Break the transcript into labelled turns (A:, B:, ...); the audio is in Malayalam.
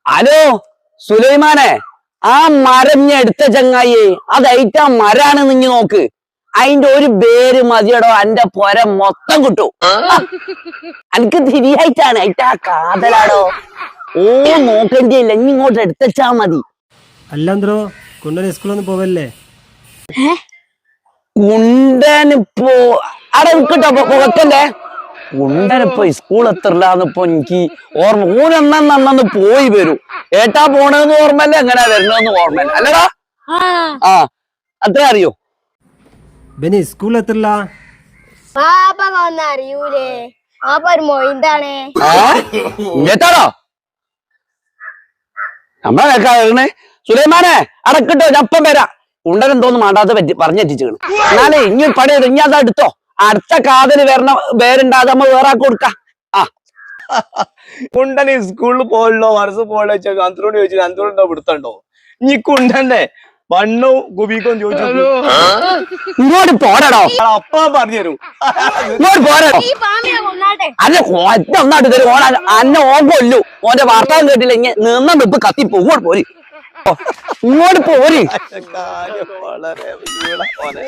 A: ഹലോ സുലൈമാനെ, ആ മരം ഞാൻ എടുത്ത ചങ്ങായി അതൈറ്റ മരാണ് നിങ്ങ നോക്ക്. അതിന്റെ ഒരു പേര് മതിയടോ എന്റെ പൊര മൊത്തം കിട്ടു. എനിക്ക് തിരിയായിട്ടാണ് അയിറ്റാ കാതലാടോ. ഓ നോക്കണ്ടില്ല, ഇനി ഇങ്ങോട്ട് എടുത്തച്ചാ മതി.
B: അല്ലാന്തോ കുണ്ടൻ സ്കൂളൊന്നും പോവല്ലേ?
A: കുണ്ടനിപ്പോ അവിടെ നിൽക്കട്ടോ വെക്കല്ലേ. കുണ്ടനിപ്പോ സ്കൂൾ എത്രല്ലാന്നിപ്പോ എനിക്ക് ഓർമ്മ. ഊനെന്നു പോയി വരൂ. ഏട്ടാ പോണെന്ന് ഓർമ്മല്ല, എങ്ങനെയാ വരണെന്ന് ഓർമ്മല്ല അല്ലടാ. ആ അത്ര അറിയോ?
B: ബെനി സ്കൂൾ എത്രല്ല?
C: അറിയൂലേ? ഒരു മൊയിന്താണ്.
A: ഏട്ടാടോ നമ്മളെ കേൾക്കാ. സുലൈമാനെ അടക്കിട്ടോ, ഞപ്പം വരാം. കുണ്ടനെന്തോന്ന് മാണ്ടാത്ത പറ്റി പറഞ്ഞെത്തിച്ചു. എന്നാലേ ഇനി പണി ഇനി അത് എടുത്തോ. അടുത്ത കാതല് വരണ പേരുണ്ടാതെ നമ്മ വേറെ കൊടുക്കാം. ആ
D: കുണ്ടന് സ്കൂളിൽ പോയല്ലോ, മനസ്സ് പോയല്ലോ ചോദിച്ചാൽ അന്തരോട് ചോദിച്ചു, അന്തരോണ്ടോ പിടുത്തണ്ടോ? ഇനി കുണ്ടന്റെ മണ്ണും കുബിക്കും ചോദിച്ചു.
A: ഇങ്ങോട്ട് പോരടോ,
D: അപ്പ പറഞ്ഞുതരൂ.
A: ഇങ്ങോട്ട് പോരടോ. അല്ല ഒറ്റ ഒന്നായിട്ട് തരും. ഓന അന്നെ ഓൻ കൊല്ലു. ഓന്റെ വാർത്താൻ കേട്ടില്ല. ഇങ്ങനെ നിന്ന നിപ്പ് കത്തിപ്പോ. ഇങ്ങോട്ട് പോരി, ഇങ്ങോട്ട് പോരി.
D: കാര്യം വളരെ